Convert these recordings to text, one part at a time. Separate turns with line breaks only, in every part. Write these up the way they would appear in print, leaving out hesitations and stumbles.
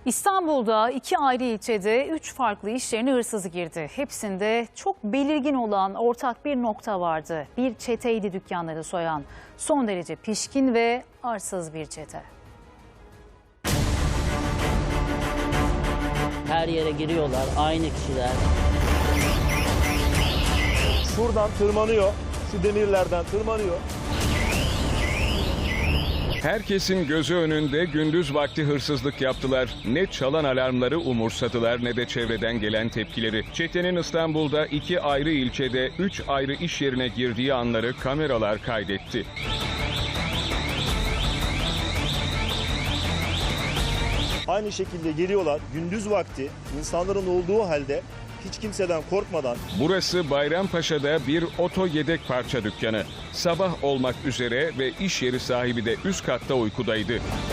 İstanbul'da 2 ayrı ilçede 3 farklı iş yerine hırsız girdi. Hepsinde çok belirgin olan ortak bir nokta vardı. Bir çeteydi dükkanları soyan. Son derece pişkin ve arsız bir çete.
Her yere giriyorlar, aynı kişiler.
Şuradan tırmanıyor, şu demirlerden tırmanıyor.
Herkesin gözü önünde gündüz vakti hırsızlık yaptılar. Ne çalan alarmları umursadılar ne de çevreden gelen tepkileri. Çetenin İstanbul'da 2 ayrı ilçede 3 ayrı iş yerine girdiği anları kameralar kaydetti.
Aynı şekilde geliyorlar gündüz vakti insanların olduğu halde hiç kimseden korkmadan.
Burası Bayrampaşa'da bir oto yedek parça dükkanı. Sabah olmak üzere ve iş yeri sahibi de üst katta uykudaydı.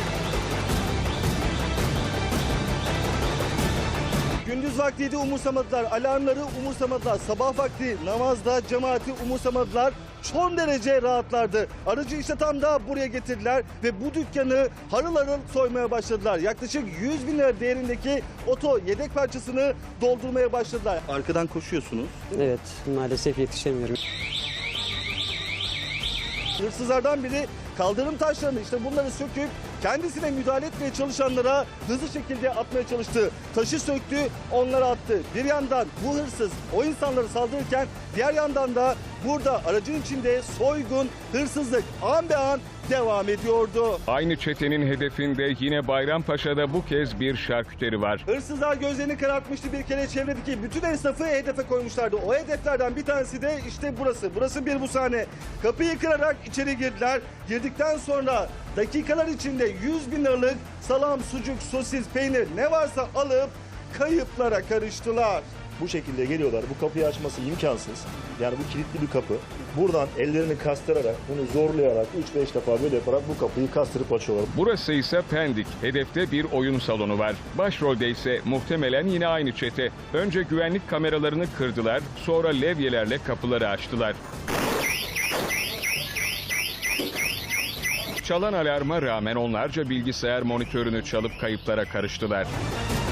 Gündüz vaktiydi umursamadılar, alarmları umursamadılar, sabah vakti namazda cemaati umursamadılar. Son derece rahatlardı. Aracı işte tam da buraya getirdiler ve bu dükkanı harıl harıl soymaya başladılar. Yaklaşık 100 bin lira değerindeki oto yedek parçasını doldurmaya başladılar. Arkadan koşuyorsunuz.
Evet, maalesef yetişemiyorum.
Hırsızlardan biri kaldırım taşlarını işte bunları söküp kendisine müdahale etmeye çalışanlara hızlı şekilde atmaya çalıştı. Taşı söktü, onlara attı. Bir yandan bu hırsız o insanları saldırırken diğer yandan da burada aracın içinde soygun, hırsızlık an be an devam ediyordu.
Aynı çetenin hedefinde yine Bayrampaşa'da bu kez bir şarküteri var.
Hırsızlar gözlerini karartmıştı bir kere çevredeki bütün esnafı hedefe koymuşlardı. O hedeflerden bir tanesi de işte burası. Burası bir bu sahne. Kapıyı kırarak içeri girdiler. Girdikten sonra dakikalar içinde 100 bin liralık salam, sucuk, sosis, peynir ne varsa alıp kayıplara karıştılar. Bu şekilde geliyorlar. Bu kapıyı açması imkansız. Yani bu kilitli bir kapı. Buradan ellerini kastırarak, bunu zorlayarak 3-5 defa böyle yaparak bu kapıyı kastırıp açıyorlar.
Burası ise Pendik. Hedefte bir oyun salonu var. Başrolde ise muhtemelen yine aynı çete. Önce güvenlik kameralarını kırdılar, sonra levyelerle kapıları açtılar. Çalan alarma rağmen onlarca bilgisayar monitörünü çalıp kayıplara karıştılar.